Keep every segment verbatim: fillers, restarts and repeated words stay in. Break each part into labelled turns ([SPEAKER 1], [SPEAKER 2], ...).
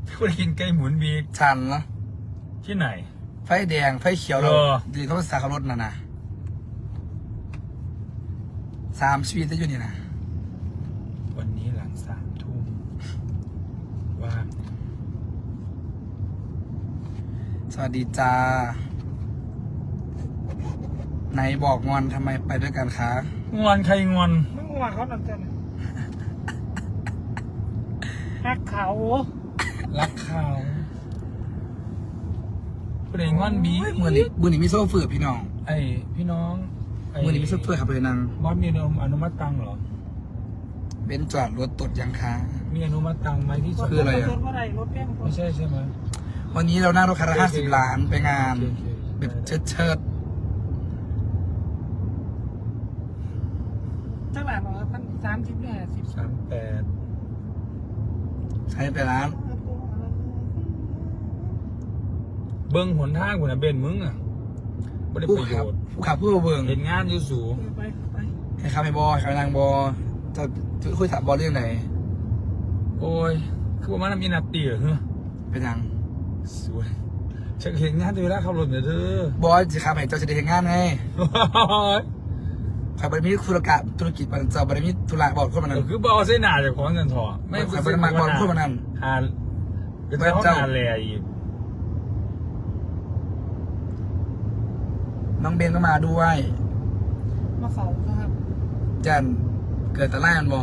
[SPEAKER 1] คุณกินไก่หมุนบี
[SPEAKER 2] ชันเนาะ
[SPEAKER 1] ที่ไหน
[SPEAKER 2] ไฟแดงไฟเขียวเรา
[SPEAKER 1] เออ
[SPEAKER 2] ดีเขาสาขารถน่ะนะสามชีวิตจะอยู่นี่นะ
[SPEAKER 1] วันนี้หลังสามทุ่มว่าง
[SPEAKER 2] สวัสดีจ้าไหนบอกงอนทำไมไปด้วยกันคะ
[SPEAKER 1] งอนใครงอน
[SPEAKER 3] มึงว่าเขาหนักจังหักเขา
[SPEAKER 1] รักเขาคุณเองงอนบี
[SPEAKER 2] มือนี้มือนี้มีโซ่ฝืดพี่น้อง
[SPEAKER 1] ไอพี่น้องไ
[SPEAKER 2] มือนี้มีโซ่ฝืดขับเลยนาง
[SPEAKER 1] บอสมีอนุมัติตังค์เหรอ
[SPEAKER 2] เบนซ์จอดรถตดยังคะ
[SPEAKER 1] มีอนุมัติตังค์ไหมที่
[SPEAKER 2] คืออะไรอะ
[SPEAKER 3] รถว่าไรรถแป้ง
[SPEAKER 1] ไม่ใช่ใช่ไหม
[SPEAKER 2] วันนี้เรานั่งรถคันละห้าสิบล้านไปงาน
[SPEAKER 1] โอเคโอเค
[SPEAKER 2] แบบเชิดเชิด
[SPEAKER 3] ตั้งหลายร้อยพันสามสิบเนี่ยสิบ
[SPEAKER 1] สามแปด
[SPEAKER 2] ใช้ไปร้าน
[SPEAKER 1] เบิ้งหนทางกูนะเบนมึงอ่ะไม่ได้
[SPEAKER 2] ผู้
[SPEAKER 1] ประโย
[SPEAKER 2] ขับ
[SPEAKER 1] ชน์
[SPEAKER 2] ผู้ขับผู้เบิ่ง
[SPEAKER 1] เห็นงานอยู่สูง
[SPEAKER 3] ไปไป
[SPEAKER 2] ให้ขับให้บอให้ขับให้นางบอจะจะคุยถามบอเรื่องไหน
[SPEAKER 1] โอ้ยคือว่ามันมีนาตีเหรอเฮ้ย
[SPEAKER 2] เป็นยัง
[SPEAKER 1] สวยฉันเห็นงานตัวเวลาขับรถเนี่ยเธอบ
[SPEAKER 2] อจะขับให้เจ้าจะได้เห็นงานไงขับบริมีธุรกิจธุรกิจมันเจ้าบริมีธุระบอกคนมันนั้น
[SPEAKER 1] คือบอเส้นหนาจากของเงินถอ
[SPEAKER 2] ไม่ขับบริมาบอกคนมันนั้น
[SPEAKER 1] หาเป็นเจ้าหาแลอีก
[SPEAKER 2] น้องเบนก็มาด้วย
[SPEAKER 3] มาเฝ้าครับ
[SPEAKER 2] จันเกิดตะไลมันบ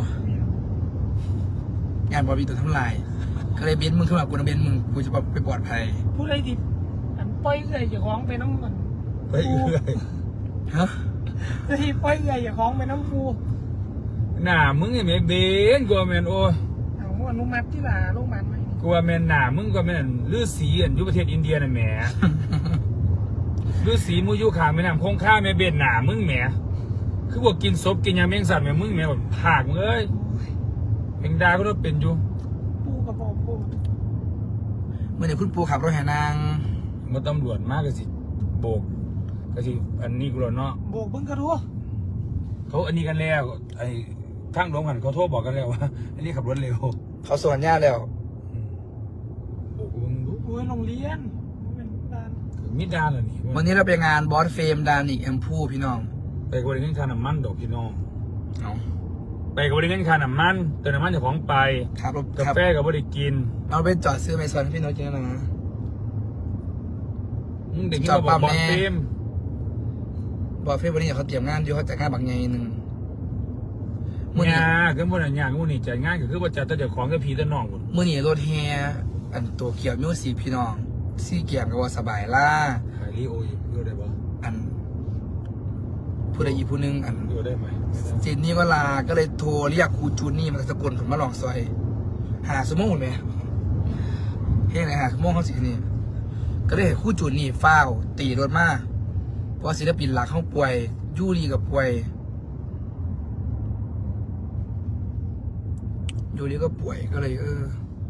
[SPEAKER 2] องานบอมีตัวทำลายก็เลยเบนมึงขึ้นมากูนะเบนมึงกูจะไปปลอดภัย
[SPEAKER 3] ผู้ใดดิอันปล่อยเอื่อยอย่าคล้องไปน้ำมัน
[SPEAKER 1] ไปเอื่อย
[SPEAKER 2] ฮะ
[SPEAKER 3] ที่ปล่อยเอื่อยอย่าคล้องไปน้ำฟู
[SPEAKER 1] หน้ามึงไอ้แม่เบนกลัวแมนโอ้ย
[SPEAKER 3] เอาอนุมัติที่หลาโรงพยาบาลไหม
[SPEAKER 1] กลัวแมนหน้ามึงกลัวแมนฤาษีอันอยู่ประเทศอินเดียน่ะแหมฤาษีมูยูขาแม่น้ำคงค่าแม่เบนหน้ามึงแหมคือพวกกินศพกินยาแมงสัตว์แม่มึงแหมแบบผากมึงเอ้ยแมงดาก็ต้องเป็นอยู่
[SPEAKER 3] ปูกระบอกปู
[SPEAKER 2] เมื่อเดี๋ยวคุณปูขับรถแห่นาง
[SPEAKER 1] มาตำรวจมากก็สิโบกก็สิอันนี้กูหรอเนาะ
[SPEAKER 3] โบกเบิ้งกระทัว
[SPEAKER 1] เขาอันนี้กันแล้วไอ้ข้างหลวงหันเขาโทษบอกกันแล้วว่าอันนี้ขับรถเร็ว
[SPEAKER 2] เขาสวนญาติแล้ว
[SPEAKER 1] โบกมึงดู
[SPEAKER 3] โอ้ยโรงเรียนเป็นบ้าน
[SPEAKER 1] มิดดานเหรอนี่
[SPEAKER 2] วันนี้เราไปงานบอสเฟมดานิกแอมพูพี่น้อง
[SPEAKER 1] ไปกับบริเงินค่าน้ำมันดอกพี่น้อง
[SPEAKER 2] เอา
[SPEAKER 1] ไปกับบริเงินค่าน้ำมันเติมน้ำมันจากของไป
[SPEAKER 2] ครับรถ
[SPEAKER 1] กา
[SPEAKER 2] ครับ
[SPEAKER 1] แฟกับบริกิน
[SPEAKER 2] เราไปจอดซื้อไมซอนพี่น้องกินแล้วนะ
[SPEAKER 1] มึงเด็กที่เราบอกบอลเฟม
[SPEAKER 2] บอสเฟมวันนี้เขาเตรียมงานอยู่เขาจัดงานบางใหญ่หนึ่งมื่อนี้
[SPEAKER 1] งาคือพวกนั้นงานพวกนี้จัดงานก็คือว่าจัดแต่เจ้าของกับพี่แต่น้องคน
[SPEAKER 2] มื่อนี้รถแฮอันตัวเกี่ยวมิวสีพี่น้องซี่เกี่ยวกับว่าสบายล่า
[SPEAKER 1] ขายรีโออยู่ดูได้ปะ
[SPEAKER 2] อันผู้ใดอีกผู้หนึงอัน
[SPEAKER 1] ดูได้ไหม
[SPEAKER 2] เจนนี่ก็ลาก็เลยโทรเรียกครูจูนนี่มาสกลผมมาลองซอย หาสมองหมดไหมเฮ้ยไหนหาสมองเขาสินี่ก็เลยให้ครูจูนนี่เฝ้าวตีรถมาเพราะศิลปินหลักเขาป่วยยูรีกับป่วยยูรีก็ป่วยก็เลยเออ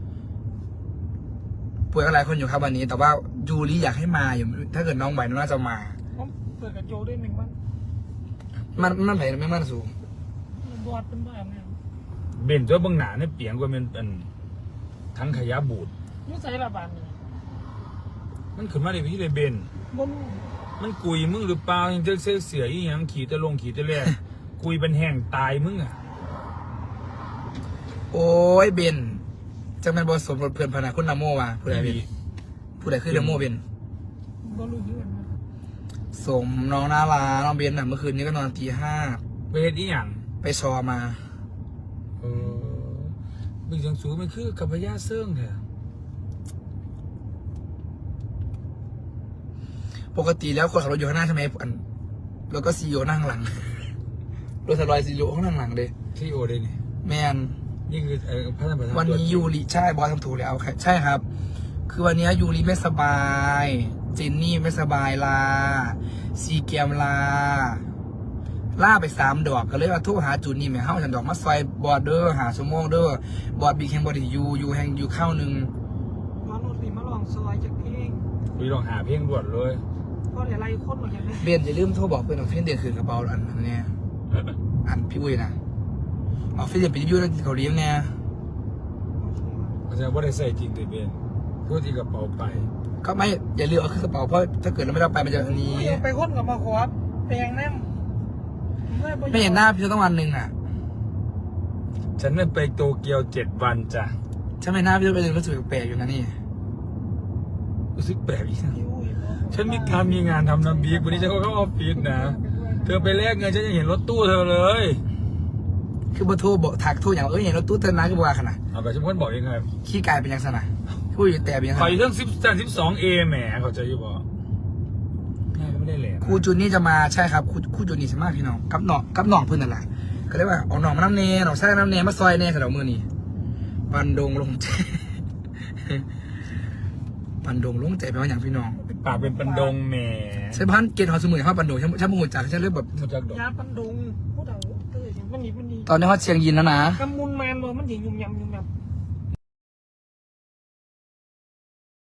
[SPEAKER 2] ป่วยกันหลายคนอยู่ครับวันนี้ แต่ว่ายูรีอยากให้มาอยู่ถ้าเกิดน้องไหวน้องน่าจะมา
[SPEAKER 3] ผมเปิดกระโจด้วยหนึ่งวัน
[SPEAKER 2] มันมันไหวไม่มันสูง
[SPEAKER 3] บอดเป็นบ้านเนี่ย
[SPEAKER 1] เบนตัวเบางหนาเนี่ยเปียงกว่าเป็นอันทั้งขยะบูด
[SPEAKER 3] ยุ่งใส่ละบานเนี่ย
[SPEAKER 1] มันขึ้นมาในพี่เลยเบน
[SPEAKER 3] บน
[SPEAKER 1] มันกุยมึงหรือเปล่ายังเจอเสียเสียอีหยังขี่ตะลงขี่ตะแล่กุยเป็นแห้งตายมึงอ่ะ
[SPEAKER 2] โอ้ยเบนจังแม่นบอสมรถเพื่อนพนาคุณนโมว่ะผู้ใดเป็นผู้ใดคือนโมเบน
[SPEAKER 3] บนรู้เรื่องนะ
[SPEAKER 2] สมน้องนาลาน้องเบนน่ะเมื่อคืนนี้ก็นอนตีห้า
[SPEAKER 1] ไปเฮ็ดอีหยัง
[SPEAKER 2] ไปชอมา
[SPEAKER 1] เออบึงจังสูมันคือกับพญาเซิงแท้
[SPEAKER 2] ปกติแล้วคนขับรถอยู่ข้างหน้าใช่ไหมอันแล้วก็ซีโอนั่งหลังรถสลอยซีโอข้างหลังเลย
[SPEAKER 1] ที่โอได้นี่
[SPEAKER 2] แมน
[SPEAKER 1] นี่คือเออพระธรรมประธาน
[SPEAKER 2] วันนี้ยูริใช่บอสทำถูกแล้วครับใช่ครับ คือวันนี้ยูริไม่สบายเจนนี่ไม่สบายลาซีเกมลาล่าไปสามดอกก็เลยว่าโทรหาจูนนี่แม่เฮ้าฉันดอกมาซอยบอดเดอร์หาชั่วโมงเดอร์บอดบีแข่งบอดยูยูแห่งยูเข้าหนึ่ง
[SPEAKER 3] มารถสีมาลองซอยจากเพลง
[SPEAKER 1] คุยลองหาเพลงด่วนเลย
[SPEAKER 3] เพราะเดี๋ยวไล่คนหมดอย่างนี้
[SPEAKER 2] เบนอย่าลืมโทรบอกเพื่อนเอาเพื่อนเดือนคืนกระเป๋าอันนั้นเนี่ยอันพี่อุ้ยนะเอาเพื่อนเดือนไปรีวิวแล้วเกาหลีเนี่ย
[SPEAKER 1] เอาจารย์ว่าได้ใส่จริงเลยเบนเพื่อที่กระเป๋าไป
[SPEAKER 2] ก็ไม่อย่าลืมเอาขึ้นกระเป๋าเพราะถ้าเกิดเราไม่ได้เอาไปมันจะอันนี้
[SPEAKER 3] ไปคนกับมาขอแปลงแนม
[SPEAKER 2] ไม่เห็นหน้าพี่ต้องวันหนึ่งอ่ะ
[SPEAKER 1] ฉันนั่นไปโตเกียวเจ็ดวันจ้ะ
[SPEAKER 2] ฉันไม่หน้าพี่ต้องไปรู้สึกแปลกๆอยู่นะนี่
[SPEAKER 1] รู้สึกแปลกอีกนะฉันมีการมีงานทำน้ำบีกวันนี้ฉันก็เข้าออฟฟิศนะเธอไปแลกเงินฉันยังเห็นรถตู้เธอเลย
[SPEAKER 2] คือบัโทรบอกถักโทรอย่างเอ้ยเห็นรถตู้เติมน้ำก็บอกขนาด
[SPEAKER 1] เอาไปฉันเพิ่นบอกยังไง
[SPEAKER 2] ขี้กายเป็นยังไงนะพูดอยู่แต่เป็นยังไง
[SPEAKER 1] ขออยู่เรื่องสิบสามสิบสองเอแหมเขาใจอยู่บ่แม่ก็ไม่ได้แหลม
[SPEAKER 2] ครูจุนนี่จะมาใช่ครับครูครูจุนนี่ใช่มากพี่น้องกับหนองกับหนองเพื่อนนั่นแหละก็เรียกว่าเอาหนองมาน้ำเนยหนองใส่น้ำเนยมาซอยเนยสำหรับมือนี่ปันดงลงใจ ปันดงลงใจแปลว่าอย่างพี่น้อง
[SPEAKER 1] ปากเป็นปันดงแหม
[SPEAKER 2] ใช่พันเกณฑ์เขาสมุนเขาปันดงฉันฉันมูจักฉันเรียกแบบ
[SPEAKER 1] มาจากดอก
[SPEAKER 3] ยาปันดุงผู้เฒ่าเตยมันนี่มันดี
[SPEAKER 2] ตอนนี้เขาเชียงยินแล้วนะ
[SPEAKER 3] กำมุนแมนบ่มันถึงยุ่มยำยุ่มยำ